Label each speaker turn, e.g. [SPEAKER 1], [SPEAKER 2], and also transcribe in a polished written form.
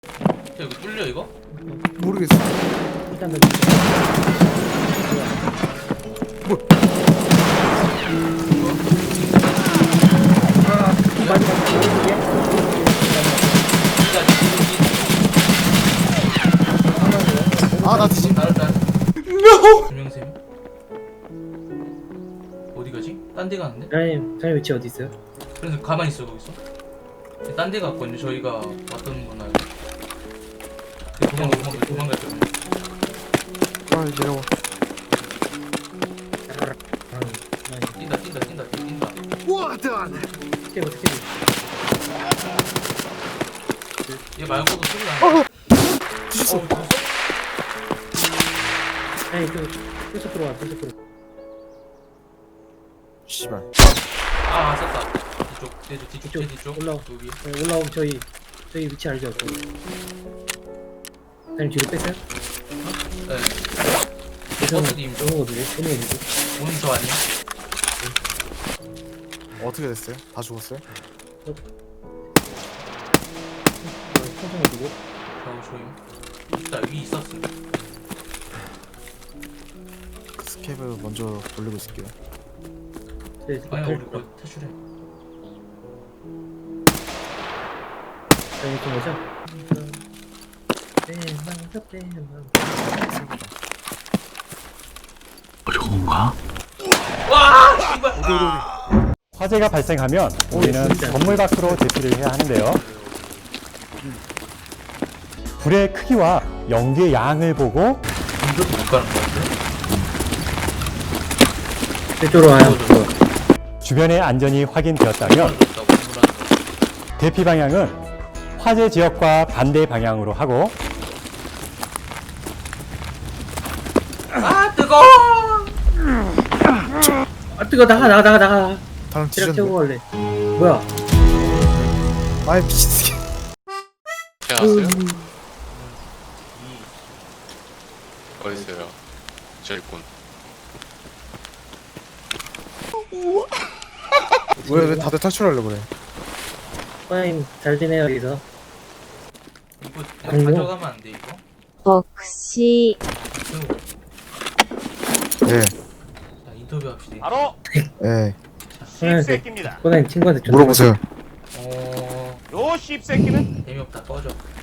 [SPEAKER 1] 이거 뚫려 이거?
[SPEAKER 2] 모르겠어.
[SPEAKER 3] 일단 나
[SPEAKER 2] 뭐? 아, 나 뒤지.
[SPEAKER 1] 김영쌤 어디 가지? 딴 데 가는데?
[SPEAKER 3] 사장님 위치 어디 있어요?
[SPEAKER 1] 그래서 가만히 있어 거기서. 딴 데 갔거든요. 저희가 왔던 건 알고. 도망갈 거예요.
[SPEAKER 2] 아, 내려와.
[SPEAKER 1] 뛴다.
[SPEAKER 2] What done?
[SPEAKER 3] 어떻게
[SPEAKER 1] 얘 말고도 소리 나.
[SPEAKER 2] 뒤졌어.
[SPEAKER 3] 아니 계속 들어와 계속 들어.
[SPEAKER 2] 씨발.
[SPEAKER 1] 아 썼다. 뒤쪽.
[SPEAKER 3] 올라와.
[SPEAKER 1] 여기.
[SPEAKER 3] 네, 올라오면 저희 위치 알죠? 사장님 뒤로 뺐어요?
[SPEAKER 1] 네. 버스님
[SPEAKER 3] 오는 어디지?
[SPEAKER 1] 오는 저 아니야?
[SPEAKER 2] 어떻게 됐어요? 다 죽었어요?
[SPEAKER 3] 천천히 어디고?
[SPEAKER 1] 저임. 있다 위 있었어.
[SPEAKER 2] 스캡을 먼저 돌리고 있을게요.
[SPEAKER 3] 네,
[SPEAKER 1] 아니 우리 거의 탈출해.
[SPEAKER 3] 사장님 좀 오죠?
[SPEAKER 1] 와 씨발.
[SPEAKER 4] 화재가 발생하면 우리는 건물 밖으로 대피를 해야 하는데요. 불의 크기와 연기의 양을 보고
[SPEAKER 1] 이것도 못 가는 거 같아.
[SPEAKER 3] 이쪽으로 와요.
[SPEAKER 4] 주변의 안전이 확인되었다면 대피 방향은 화재 지역과 반대 방향으로 하고
[SPEAKER 1] 아 뜨거.
[SPEAKER 3] 아 뜨거 나가.
[SPEAKER 2] 다른
[SPEAKER 3] 체력
[SPEAKER 2] 뒤졌네.
[SPEAKER 3] 채우고 갈래. 뭐야?
[SPEAKER 2] 아이, 미친 새끼.
[SPEAKER 5] 태어났어요? 어딨어요? 저 있군.
[SPEAKER 2] 왜 다들 탈출하려고 그래?
[SPEAKER 3] 사장님 잘 지내요 여기서.
[SPEAKER 1] 이거
[SPEAKER 3] 아니요.
[SPEAKER 1] 가져가면 안 돼 이거?
[SPEAKER 6] 혹시
[SPEAKER 2] 예,
[SPEAKER 1] 자 인터뷰합시다.
[SPEAKER 7] 바로
[SPEAKER 2] 예.
[SPEAKER 7] 씹새끼입니다.
[SPEAKER 3] 사장님 친구한테 좀
[SPEAKER 2] 물어보세요.
[SPEAKER 1] 어
[SPEAKER 7] 요 씹새끼는
[SPEAKER 1] 재미없다 꺼져.